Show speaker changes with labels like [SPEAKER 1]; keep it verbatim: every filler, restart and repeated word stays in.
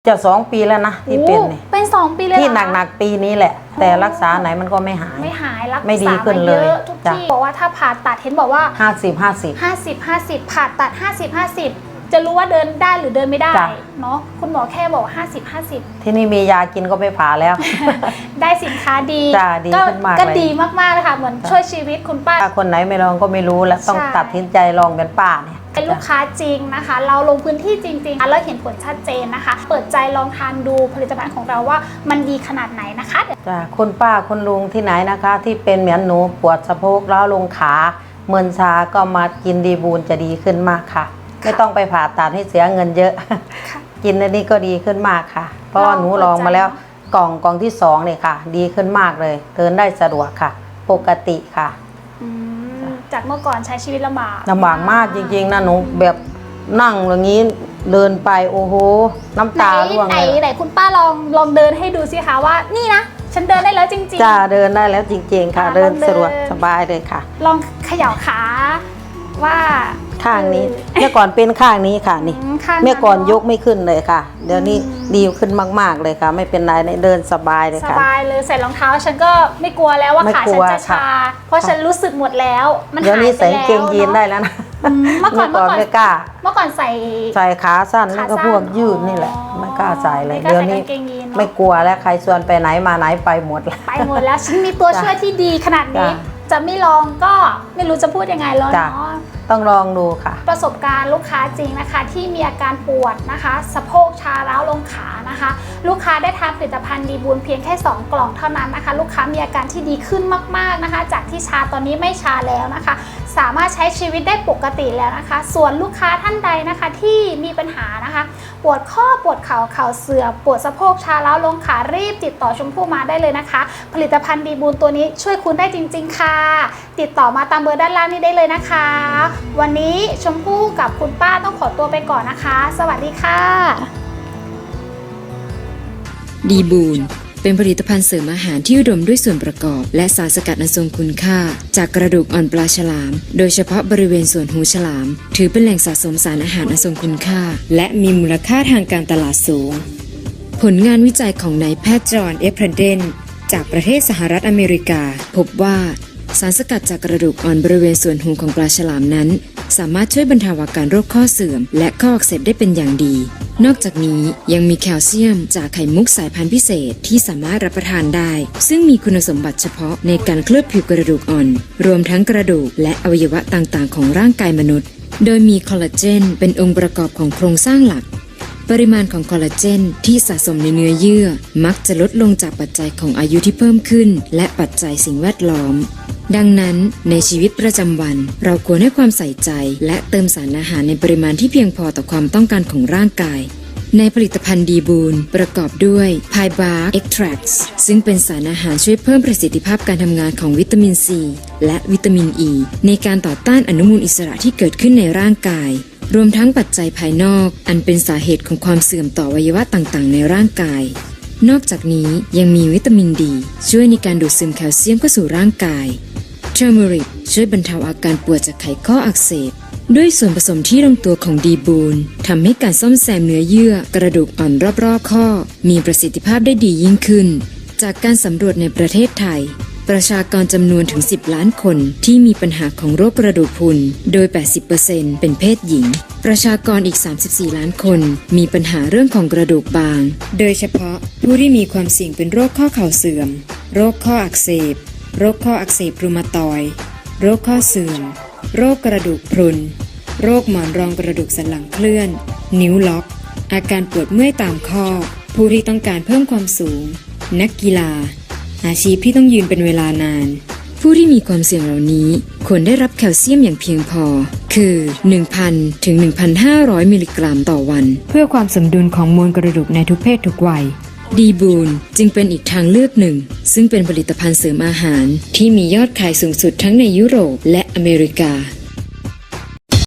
[SPEAKER 1] จะสองปีแล้วนะที่เป็นเนี่ย
[SPEAKER 2] เป็นสองปีเลย
[SPEAKER 1] ที่หนักๆปีนี้แหละแต่รักษาไหนมันก็ไม่หาย
[SPEAKER 2] ไม่หายรักษา
[SPEAKER 1] ไม่ดีขึ้นเลย
[SPEAKER 2] ทุกที่บอกว่าถ้าผ่าตัดเห็นบอกว่า
[SPEAKER 1] ห้าสิบห้าสิบ
[SPEAKER 2] ห้าสิบห้าสิบผ่าตัดห้าสิบห้าสิบจะรู้ว่าเดินได้หรือเดินไม่ได้เนาะคุณหมอแค่บอกห้าสิบห้าสิบ
[SPEAKER 1] ที่นี่มียากินก็ไม่ผ่าแล้ว
[SPEAKER 2] ได้สินค้าดี
[SPEAKER 1] ดีขึ้นมาก
[SPEAKER 2] ก็ดีมากๆเลยค่ะเหมือนช่วยชีวิตคุณป้า
[SPEAKER 1] ถ้าคนไหนไม่ลองก็ไม่รู้แล้วต้องตัดสินใจลองเป็นป้าเนี่ย
[SPEAKER 2] เป็นลูกค้าจริงนะคะเราลงพื้นที่จริงๆแล้วเห็นผลชัดเจนนะคะเปิดใจลองทานดูผลิตภัณฑ์ของเราว่ามันดีขนาดไหนนะคะ
[SPEAKER 1] จ้ะคุณป้าคุณลุงที่ไหนนะคะที่เป็นเหมือนหนูปวดสะโพกล้าวลงขาเมินชาก็มากินดีบูนจะดีขึ้นมากค่ะไม่ต้องไปผ่าตัดให้เสียเงินเยอะกินอันนี้ก็ดีขึ้นมากค่ะเพราะว่าหนูลองมาแล้วกล่องกล่องที่สองเนี่ยค่ะดีขึ้นมากเลยเดินได้สะดวกค่ะปกติค่ะ
[SPEAKER 2] จากเมื่อก่อนใช้ชีวิตลำบาก
[SPEAKER 1] ลำบากมากจริงๆนะหนูแบบนั่งอย่างนี้เดินไปโอ้โหน้ำตาร่วงเลย
[SPEAKER 2] ไหนคุณป้าลองลองเดินให้ดูสิคะว่านี่นะฉันเดินได้แล้วจริง
[SPEAKER 1] ๆจ้าเดินได้แล้วจริงๆค่ะเดินสะดวกสบายเลยค่ะ
[SPEAKER 2] ลองเขย่าขาว่า
[SPEAKER 1] ข้างนี้เมื่อก่อนเป็นข้างนี้ค่ะนี่เมื่อก่อนยกไม่ขึ้นเลยค่ะเดี๋ยวนี้ดีขึ้นมากๆเลยค่ะไม่เป็นไรเดินสบายเลยค่ะ
[SPEAKER 2] สบายเลยใส่รองเท้าฉันก็ไม่กลัวแล้วว่าขาฉันจะชาเพราะฉันรู้สึกหมดแล้วมันหายไปแล้ว
[SPEAKER 1] เดี๋ยวนี้ใส่เกงยีนได้แล้วนะ
[SPEAKER 2] เมื่อก่อนเมื่อก่อน
[SPEAKER 1] ไม่กล้า
[SPEAKER 2] เมื่อก่อนใส่
[SPEAKER 1] ใส่ขาสั้นแล้วก็พวกยืดนี่แหละไม่กล้าใส่เลยเดี๋ยวนี้ไม่กลัวแล้วใครชวนไปไหนมาไหนไปหมด
[SPEAKER 2] ไปหมดแล้วฉันมีตัวช่วยที่ดีขนาดนี้จะไม่ลองก็ไม่รู้จะพูดยังไงแล้วเนาะ
[SPEAKER 1] ต้องลองดูค่ะ
[SPEAKER 2] ประสบการณ์ลูกค้าจริงนะคะที่มีอาการปวดนะคะสะโพกชาร้าวลงขานะคะลูกค้าได้ทานผลิตภัณฑ์ดีบูนเพียงแค่สองกล่องเท่านั้นนะคะลูกค้ามีอาการที่ดีขึ้นมากๆนะคะจากที่ชาตอนนี้ไม่ชาแล้วนะคะสามารถใช้ชีวิตได้ปกติแล้วนะคะส่วนลูกค้าท่านใดนะคะที่มีปัญหานะคะปวดข้อปวดเข่าเข่าเสื่อมปวดสะโพกชาร้าวลงขารีบติดต่อชมพู่มาได้เลยนะคะผลิตภัณฑ์ดีบูนตัวนี้ช่วยคุณได้จริงๆค่ะติดต่อมาตามเบอร์ด้านล่างนี้ได้เลยนะคะวันนี้ชมพู่กับคุณป้าต้องขอตัวไปก่อนนะคะสวัสดีค่ะ
[SPEAKER 3] ดีบูนเป็นผลิตภัณฑ์เสริมอาหารที่อุดมด้วยส่วนประกอบและสารสกัดอันทรงคุณค่าจากกระดูกอ่อนปลาฉลามโดยเฉพาะบริเวณส่วนหูฉลามถือเป็นแหล่งสะสมสารอาหารอันทรงคุณค่าและมีมูลค่าทางการตลาดสูงผลงานวิจัยของนายแพทย์จอห์นเอฟเพรเดนจากประเทศสหรัฐอเมริกาพบว่าสารสกัดจากกระดูกอ่อนบริเวณส่วนหูของปลาฉลามนั้นสามารถช่วยบรรเทาอาการโรคข้อเสื่อมและข้ออักเสบได้เป็นอย่างดีนอกจากนี้ยังมีแคลเซียมจากไข่มุกสายพันธุ์พิเศษที่สามารถรับประทานได้ซึ่งมีคุณสมบัติเฉพาะในการเคลือบผิวกระดูกอ่อนรวมทั้งกระดูกและอวัยวะต่างๆของร่างกายมนุษย์โดยมีคอลลาเจนเป็นองค์ประกอบของโครงสร้างหลักปริมาณของคอลลาเจนที่สะสมในเนื้อเยื่อมักจะลดลงจากปัจจัยของอายุที่เพิ่มขึ้นและปัจจัยสิ่งแวดล้อมดังนั้นในชีวิตประจำวันเราควรให้ความใส่ใจและเติมสารอาหารในปริมาณที่เพียงพอต่อความต้องการของร่างกายในผลิตภัณฑ์ดีบูนประกอบด้วยไพบาร์เอ็กทรัคซึ่งเป็นสารอาหารช่วยเพิ่มประสิทธิภาพการทำงานของวิตามินซีและวิตามินอ e ีในการต่อต้านอนุมูลอิสระที่เกิดขึ้นในร่างกายรวมทั้งปัจจัยภายนอกอันเป็นสาเหตุของความเสื่อมต่ออวัยวะต่างๆในร่างกายนอกจากนี้ยังมีวิตามินดีช่วยในการดูดซึมแคลเซียมเข้าสู่ร่างกายเทอร์เมริกช่วยบรรเทาอาการปวดจากไขข้ออักเสบด้วยส่วนผสมที่ลงตัวของดีบูนทำให้การซ่อมแซมเนื้อเยื่อกระดูกอ่อนรอบๆข้อมีประสิทธิภาพได้ดียิ่งขึ้นจากการสำรวจในประเทศไทยประชากรจำนวนถึงสิบล้านคนที่มีปัญหาของโรคกระดูกพรุนโดย แปดสิบเปอร์เซ็นต์ เป็นเพศหญิงประชากรอีกสามสิบสี่ล้านคนมีปัญหาเรื่องของกระดูกบางโดยเฉพาะผู้ที่มีความเสี่ยงเป็นโรคข้อเข่าเสื่อมโรคข้ออักเสบโรคข้ออักเสบรูมาตอยด์โรคข้อเสื่อมโรคกระดูกพรุนโรคหมอนรองกระดูกสันหลังเคลื่อนนิ้วล็อกอาการปวดเมื่อยตามข้อผู้ที่ต้องการเพิ่มความสูงนักกีฬาอาชีพที่ต้องยืนเป็นเวลานานผู้ที่มีความเสี่ยงเหล่านี้ควรได้รับแคลเซียมอย่างเพียงพอคือ หนึ่งพัน ถึง หนึ่งพันห้าร้อย มิลลิกรัมต่อวันเพื่อความสมดุลของมวลกระดูกในทุกเพศทุกวัยดีบูนจึงเป็นอีกทางเลือกหนึ่งซึ่งเป็นผลิตภัณฑ์เสริมอาหารที่มียอดขายสูงสุดทั้งในยุโรปและอเมริกา